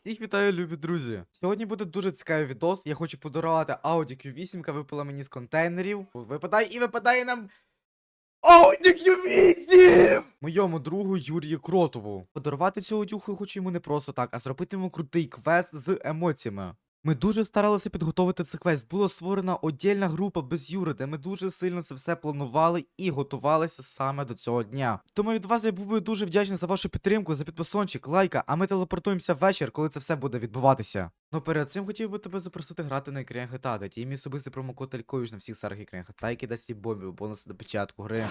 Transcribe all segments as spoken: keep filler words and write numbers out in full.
Всіх вітаю, любі друзі! Сьогодні буде дуже цікавий відос. Я хочу подарувати Audi кью вісім, яка випала мені з контейнерів. Випадає і випадає нам Audi кью вісім! Моєму другу Юрію Кротову. Подарувати цю одюху я хочу йому не просто так, а зробити йому крутий квест з емоціями. Ми дуже старалися підготовити цей квест. Була створена отдільна група без Юри, де ми дуже сильно це все планували і готувалися саме до цього дня. Тому від вас я був би дуже вдячний за вашу підтримку, за підписончик, лайка, а ми телепортуємося ввечір, коли це все буде відбуватися. Ну перед цим хотів би тебе запросити грати на екрані джі ті ей, де є мій особистий промокод Алькович на всіх серверах екрані джі ті ей, який дасть їй бомбів, бонуси до початку гри.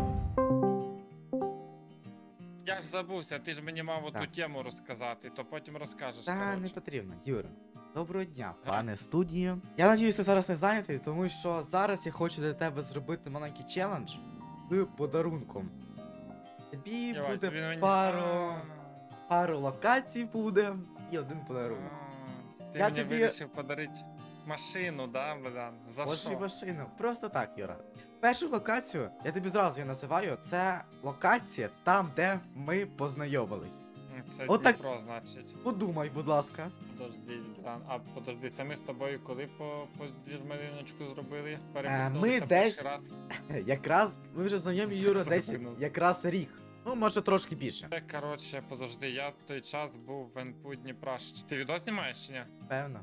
Я ж забувся, ти ж мені мав оту Так. тему розказати, то потім розкажеш. Та не коротше. потрібно, Юра. Доброго дня, пане студії. Я надіюсь, ти зараз не зайнятий, тому що зараз я хочу для тебе зробити маленький челендж з подарунком. Тобі Єбать, буде він мені- пару, А, пару локацій буде і один подарунок. а, Ти Я мені тобі- вирішив подарити машину, да, Богдан? За Ось і що? машину. Просто так, Юра. Першу локацію, я тобі зразу її називаю, це локація там, де ми познайомились. М, Це Отак. Дніпро, значить. Подумай, будь ласка. Подожди, Богдан, а подожди, це ми з тобою коли по, по двірмариночку зробили? Е, ми Перепихнулися десь- перший раз. Якраз ми вже знайомі, Юра, десь Прикинув. якраз рік. Ну, може трошки більше. Це, коротше, подожди, я в той час був в НПУ Дніпра. Щ- Ти відео знімаєш чи ні? Певно.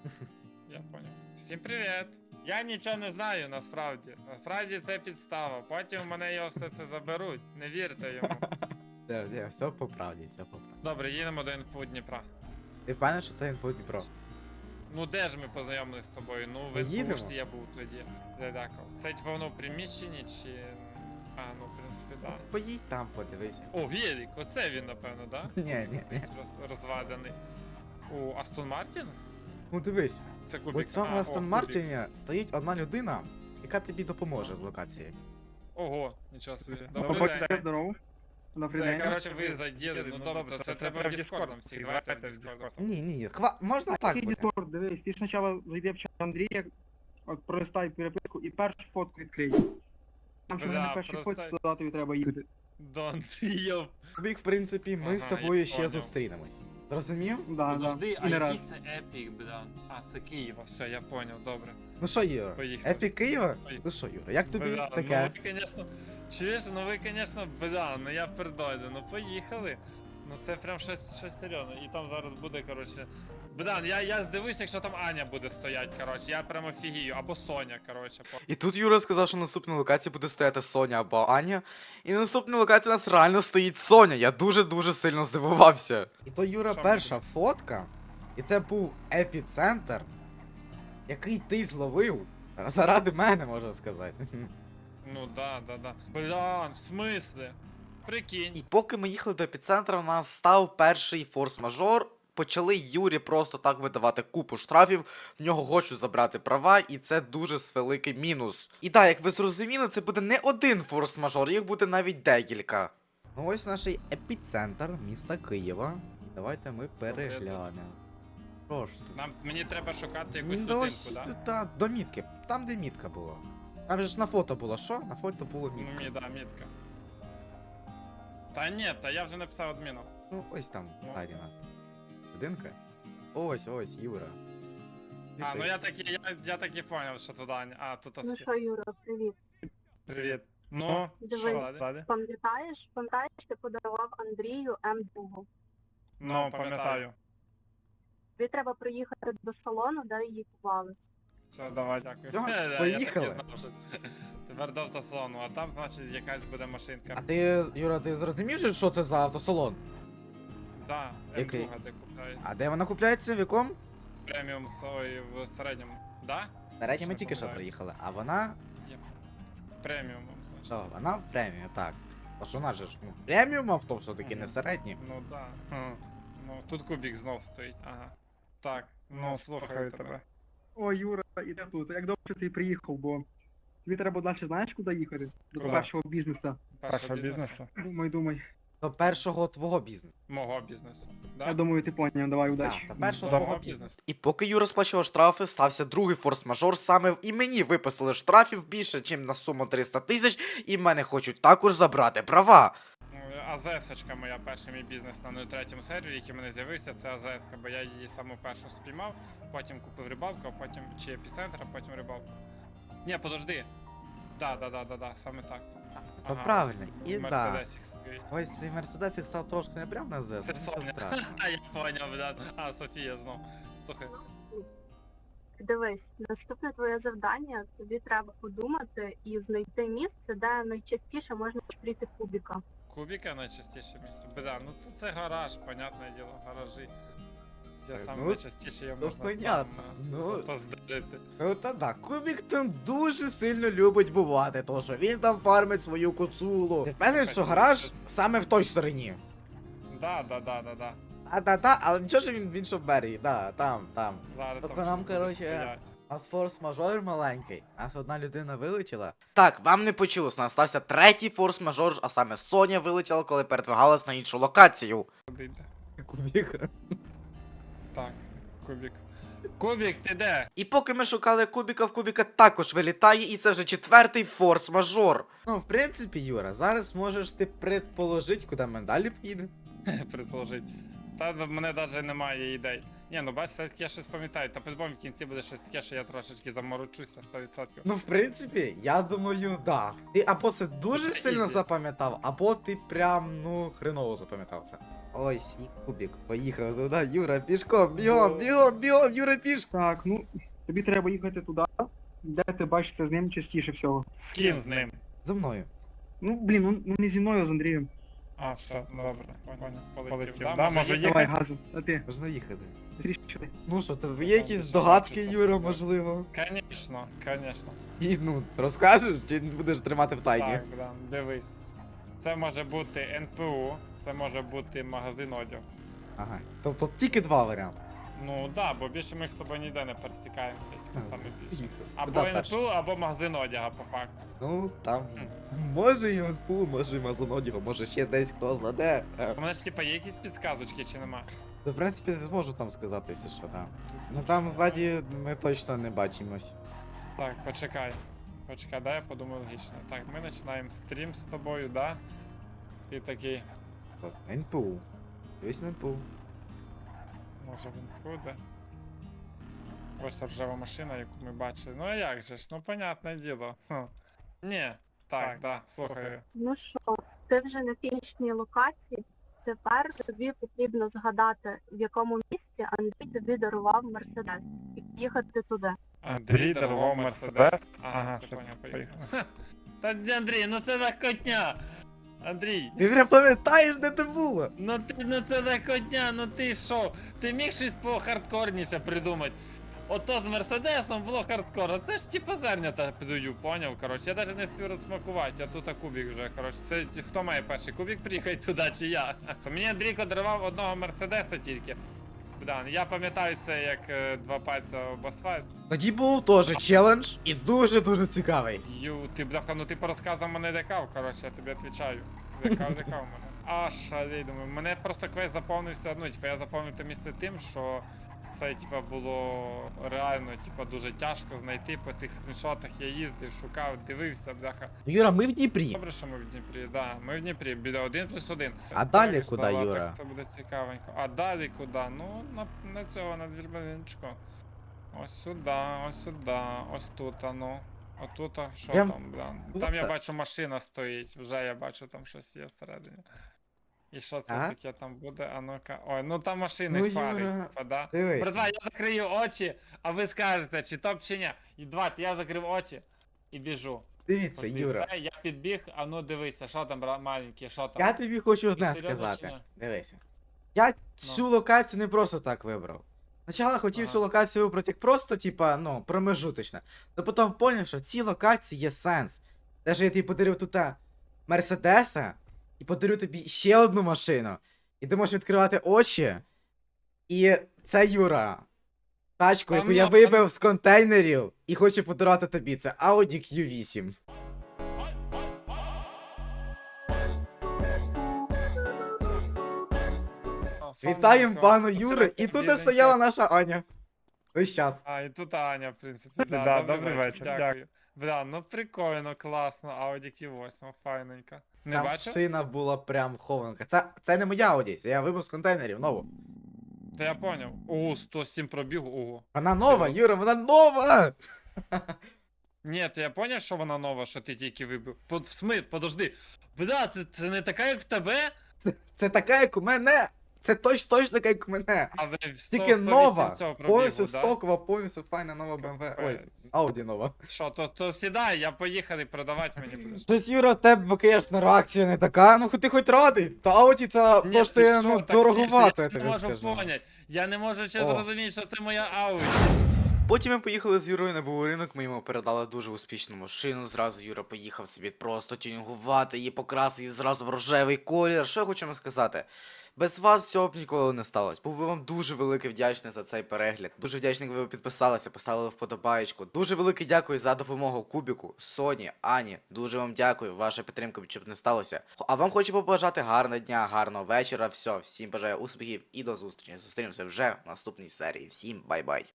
Я понял. Всім привіт! Я нічого не знаю насправді. Насправді це підстава. Потім мене його все це заберуть. Не вірте йому. Де, де, все по правді, все по правді. Добре, їдемо до НПУ Дніпра. Ти впевнений, що це інфо Дніпро? Ну де ж ми познайомились з тобою? Ну в Їдемо. НПУ ж я був тоді. Дедаков. Це типу воно в приміщенні чи. А, ну в принципі, да. Поїдь там, подивися. О, Гелік, оце він, напевно, да? Ні, ні, ні. Роз, розваданий. О, Астон Мартін? Ну дивись, Це у кубік. цьому А, о, Астон кубік. Мартіні стоїть одна людина, яка тобі допоможе з локації. Ого, нічого собі. Ну, Добрий побачите, день. здорово. Добрий Це, день. коротше, ви заділи. Ну добре, то це треба в Discord нам всіх. Давайте в Discord. Ні, ні, ні, хва... можна так Який буде. Discord, дивись, ти спочатку зайди в чат Андрія, от пролистай переписку і першу фотку відкрий. Там що Да, на першій пролистай. фотці туди тобі треба їхати. Дон Йоп. Тобі, в принципі, ми з Ага, тобою я ще поняв. зустрінемось. Зрозумів? Да, Подожди, да. а І не раз. який це епік, бля? А, це Києва, все, я поняв, добре. Ну що, Юра, Поїхали. епік Києва? Поїхали. Ну що, Юра, як тобі Бля, таке? Ну ви, конечно, чуєш, ну ви, конечно, бля, ну я пердойду, ну поїхали. Ну це прям щось, щось серйозне. І там зараз буде, коротше. Блян, я, я здивуюсь, якщо там Аня буде стоять, коротше, я прямо офігію, або Соня, коротше. по- І тут Юра сказав, що на наступній локації буде стояти Соня або Аня. І на наступній локації у нас реально стоїть Соня. Я дуже-дуже сильно здивувався. І то, Юра, Що перша буде? фотка, і це був епіцентр, який ти зловив заради мене, можна сказати. Ну да, да, да. Блян, в смислі? Прикинь. І поки ми їхали до епіцентра, у нас став перший форс-мажор. Почали Юрі просто так видавати купу штрафів, в нього хочуть забрати права, і це дуже великий мінус. І так, як ви зрозуміли, це буде не один форс-мажор, їх буде навіть декілька. Ну ось наш епіцентр міста Києва. І давайте ми переглянемо. Прошу. Нам, мені треба шукати якусь Ну, ось, судинку, да? та, до мітки. Там, де мітка була. Там же ж на фото було що? На фото було Ну, мітка. мі, да, мітка. Та ні, та я вже написав адміну. Ну, ось там, Ну. ззаді нас. Будинка? Ось, ось, Юра. А, ну Ти- я так, і- я, я так і поняв, що туди. Аня. А, тут Ну освіт. що, Юра, привіт. Привіт. Ну, Дивись. що далі? Пам'ятаєш, пам'ятаєш, ти подарував Андрію М два. Ну, пам'ятаю. Тобі треба приїхати до салону, де її купували. Все, давай, дякую. Всьо, Е, я так і поїхали. знав, що тепер до автосалону, а там, значить, якась буде машинка. А ти, Юра, ти зрозумів, же, що це за автосалон? Да, Який? М два, де купляють. А де вона купляється, в якому? Преміум сой в середньому. Да? Середньо ми Що тільки що помиляюсь. приїхали, а вона. Преміум, значить. Що, вона в преміум, так. А що вона же ж, ну, преміум авто все-таки не середнє. Ну да. Хм. Ну, тут кубік знов стоїть, ага. Так, ну слухаю тебе. О, Юра, іде тут. Як добре ти приїхав, бо тобі треба далі знаєш куди їхати? До Куди? першого бізнесу. Першого бізнесу. Думай, думай. До першого твого бізнесу. Мого бізнесу. Я Да? думаю, ти поняв, давай Так, удачі. до першого Мого твого бізнесу. бізнесу. І поки Юра сплачував штрафи, стався другий форс-мажор. Саме і мені виписали штрафів більше, ніж на суму триста тисяч, і в мене хочуть також забрати права. Ну, АЗС-очка моя, перший мій бізнес на нуль третьому сервері, який в мене з'явився, це АЗС-ка, бо я її саму першу спіймав, потім купив рибалку, а потім чи епіцентр, а потім рибалку. Ні, подожди. Да, да, да, да, да, саме так. То Ага, правильно, і да. Мерседесик стоїть. Ось цей мерседесик став трошки не прям на ЗЕС, Це нічого Соня. страшного. А, я поняв, да. А, Софія знов. Слухай. Дивись, наступне твоє завдання, тобі треба подумати і знайти місце, де найчастіше можна зустріти кубіка. Кубіка найчастіше місце. Бля, ну це, це гараж, понятне діло, гаражі. Я Е, сам ну, найчастіше я ну, можна понятно, там, ну. запоздарити. Ну та да, Кубік там дуже сильно любить бувати, тому що він там фармить свою коцулу. Ти впевнений, що гараж саме в той стороні? Да, да, да, да, да. А та та, але нічого ж він в іншому берегі, да, там, там. Зараз Тільки там нам, щось буде короче, стоять. У нас форс-мажор маленький, у нас одна людина вилетіла. Так, вам не почулось, у нас стався третій форс-мажор, а саме Соня вилетіла, коли передвигалась на іншу локацію. Куди йде? Кубік. Так, Кубік. Кубік, ти де? І поки ми шукали Кубіка, в Кубіка також вилітає, і це вже четвертий форс-мажор. Ну, в принципі, Юра, зараз можеш ти предположити, куди ми далі поїдемо. Предположить. Та в мене навіть немає ідей. Ні, ну бачиш, все-таки я щось пам'ятаю. Та по-любому в кінці буде щось таке, що я трошечки заморочуся сто відсотків. Ну, в принципі, я думаю, да. Ти або це дуже Це сильно ізі. запам'ятав, або ти прям, ну, хреново запам'ятав це. Ось і Кубік. Поїхав туди, Юра, пішком, бігом, бігом, бігом, Юра, пішком. Так, ну, тобі треба їхати туди, де ти бачишся з ним частіше всього. З ким з ним? За мною. Ну, блін, ну, ну не зі мною, а з Андрієм. А, все, добре, понял, полетів. Полетів. Да, Да, може може їхати? Давай, газу, а ти, Можна їхати. трішки. Ну що, тебе Це є сам якісь це догадки, сам Юра, чисто можливо? Конечно, конечно. І, ну, розкажеш, чи будеш тримати в тайні? Так, да, дивись. Це може бути ен пе у, це може бути магазин одягу. Ага. Тобто тільки два варіанти. Ну да, бо більше ми ж з тобою ніде не пересікаємося, типу саме більше. Або Да, ен перше. пе у, або магазин одягу, по факту. Ну, там, Хм. може і Онпу, може і Мазонодіго, може ще десь хто знаде. Е, У мене ж типа є якісь підсказочки чи нема? В принципі, можу там сказати, якщо що, так. Ну там ззаді ми точно не бачимось. Так, почекай. Почекай, дай я подумаю логічно. Так, ми починаємо стрім з тобою, да? Ти такий, От, ен пе у. Дивись на ен пе у. може він буде. Ось ржава машина, яку ми бачили. Ну а як же ж? Ну понятне діло. Хм. Ні, так, так, да, слухаю. Ну що, ти вже на фінішній локації. Тепер тобі потрібно згадати, в якому місці Андрій тобі дарував Мерседес, і їхати туди. Андрій дарував Мерседес. Ага, Ага, все все, поняв, поїхав. Та ні, Андрій, ну це так котня! Андрій, Ти вже пам'ятаєш, де це було? ну ти, ну це так котня, ну ти що? Ти міг щось похардкорніше придумати? Ото з Мерседесом було хардкор, а це ж типа зернята підую, поняв, коротше, я навіть не спів розсмакувати, а тут а кубік вже, коротше, це ті- хто має перший кубік приїхати туди чи я? То мені Андрійко дарував одного Мерседеса тільки. Богдан, я пам'ятаю це як е, два пальця об асфальт. Тоді був теж челендж і дуже-дуже цікавий. Ю, ти бляха, ну ти по розказам мене декав, коротше, я тобі відповідаю. Декав, декав мене. А шалей, думаю, мене просто квест заповнився, ну, типа, я заповнив те місце тим, що це, типа, було реально, типа, дуже тяжко знайти, по тих скріншотах я їздив, шукав, дивився, бляха. Юра, ми в Дніпрі. Добре, що ми в Дніпрі, да, ми в Дніпрі, біля один плюс один. А далі Дивишся, куди, да, Юра? Так це буде цікавенько. А далі куди? Ну, на, на цього, на двірбаничку. Ось сюди, ось сюди, ось тут, а ну. Отут, а що Прям там, бля? вот Там я так. бачу машина стоїть, вже я бачу там щось є всередині. І що це Ага. таке там буде? А ну-ка. Ой, ну там машини Ну, фари, Юра, типа, да? Дивись. Братва, я закрию очі, а ви скажете, чи топ, чи ні. І два, я закрив очі і біжу. Дивіться, Ось і Юра. все, я підбіг, а ну дивися, що там, брат, маленький, що там? Я тобі хочу одне серйозно чи сказати. ні? Дивися. Я цю локацію не просто так вибрав. Спочатку хотів Ага. цю локацію вибрати як просто, типа, ну, промежуточно. Но потім зрозумів, що в цій локації є сенс. Даже я тобі подарив тут а, Мерседеса і подарю тобі ще одну машину. І ти можеш відкривати очі. І це Юра. Тачку, яку я Там- вибив з контейнерів і хочу подарувати тобі. Це Audi кью вісім. Вітаємо Фанатка. пану Оце Юри. таке І тут і біленьке. стояла наша Аня. Весь час. А, і тут Аня, в принципі. Да, Да, добрий, добрий вечір, вечір, дякую. Бля, ну прикольно, класно, Audi кью вісім, файненько. Не Там бачив? шина була прям хованка. Це, це не моя Ауді, це я вибив з контейнерів нову. Та я поняв. Ого, сто сім пробіг, ого. Вона нова, Серйозно? Юра, вона нова! Ні, то я поняв, що вона нова, що ти тільки вибив. Под, в смит, подожди. Бля, це, це не така, як в тебе? Це, це така, як у мене! Це точно точно така, як у мене! А ви в сто, Тільки сто вісім нова! цього пробігу, Повністю да? стокова, повністю файна нова бе ем ве. Ой, Капець. Ауді нова. Що, то, то сідай, я поїхали, продавати мені будеш. Щось, Юра, в тебе, звісно, реакція не така. Ну, ти хоч радий. Та Ауді це Ні, коштує, ти що, ну, так, дороговато, я я не тобі можу скажу. понять. Я не можу ще О. зрозуміти, що це моя Ауді. Потім ми поїхали з Юрою на був ринок, ми йому передали дуже успішну машину. Зразу Юра поїхав собі просто тюнінгувати, її покрасив її зразу в рожевий колір. Що я хочу вам сказати? Без вас цього б ніколи не сталося. Був би вам дуже велике вдячний за цей перегляд. Дуже вдячний, якби ви підписалися, поставили вподобаєчку. Дуже велике дякую за допомогу Кубіку, Соні, Ані. Дуже вам дякую. Ваша підтримка, щоб не сталося. А вам хочу побажати гарного дня, гарного вечора. Все, всім бажаю успіхів і до зустрічі. Зустрінемося вже в наступній серії. Всім бай-бай.